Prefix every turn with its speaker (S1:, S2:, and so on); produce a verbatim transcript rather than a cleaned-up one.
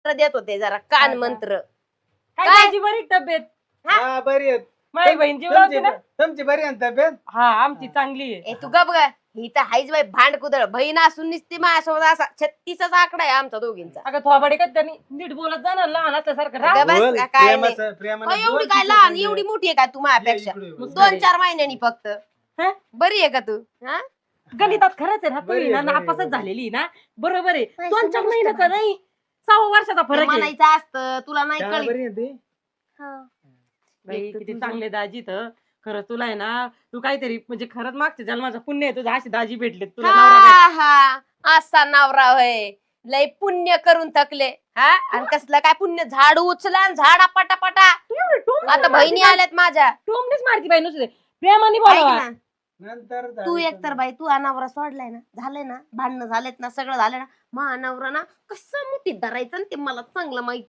S1: मंत्र देत होते जरा कान
S2: हा,
S1: मंत्र.
S2: काय
S1: काय?
S2: दाजी बरी तब्येत?
S3: हा बरी आहेत.
S2: माझी बहीण जीव लावते ना?
S3: तुमची बरी आहे ना तब्येत?
S2: हा आमची चांगली आहे.
S1: ए तू गप ग. ही तर हायच बाई भांड कुदळ बहीण असून निसती माझ्यासोबत असा छत्तीसचा आकडा आहे आमचा दोघींचा.
S2: अगं थोबाडे का त्यांनी नीट बोलत जाणार लहान असल्यासारखं
S1: अगं
S2: राह.
S1: बस
S3: बोल,
S1: का, काय नाही.
S3: प्रेमाचं- प्रेमानं
S1: अहो, एवढी
S3: बोल
S1: काय
S3: तिच्या
S1: लहान
S3: संग.
S1: एवढी मोठी आहे का तू माझ्यापेक्षा?
S3: ये इकडे बोल.
S1: दोन चार महिन्यांनी फक्त.
S2: हं?
S1: बरी आहे का तू? हा
S2: गणितात खरंच आहे ना
S3: बरी
S2: तुम्ही ना
S3: आहे, बरी आहे,
S2: नापासच
S3: बरी आहे.
S2: झालेली ना. बरोबर आहे
S1: नाही,
S2: दोन चार
S1: समजतं
S2: महिन्याचा
S1: मला.
S2: नाही सहा वर्षाचा फरक आहे.
S1: म्हणायचं असतं तुला नाही
S3: शाळा
S1: कळत.
S3: बरी आहे ती?
S2: बाई
S1: एक तर
S2: किती
S1: तुझं-
S2: चांगले दाजी तर खरंच तुला आहे ना तू काहीतरी म्हणजे खरंच मागच्या जन्माचा पुण्य आहे तुझा अशी दाजी भेटले तुला नवरा भेटला.
S1: हा हा असा नवरा होय लय पुण्य करून थकले हा आणि कसलं काय पुण्य झाड उचला आणि झाडा पटापटा.
S2: एवढी टोमणीच
S1: आता
S2: मारती
S1: बहिणी
S2: बाई.
S1: आल्यात माझ्या.
S2: टोमणीच मारती बाई नुसते प्रेमाने
S1: ऐक
S2: बोलावा.
S1: ना
S3: नंतर
S1: तू
S3: झालं
S1: एक तर बाई तू अनावरा सोडलाय ना झालंय ना भांडणं झालेत ना सगळं झालं ना मा अनावरा ना कसं मुठीत धरायचं ना ते मला चांगलं माहिती.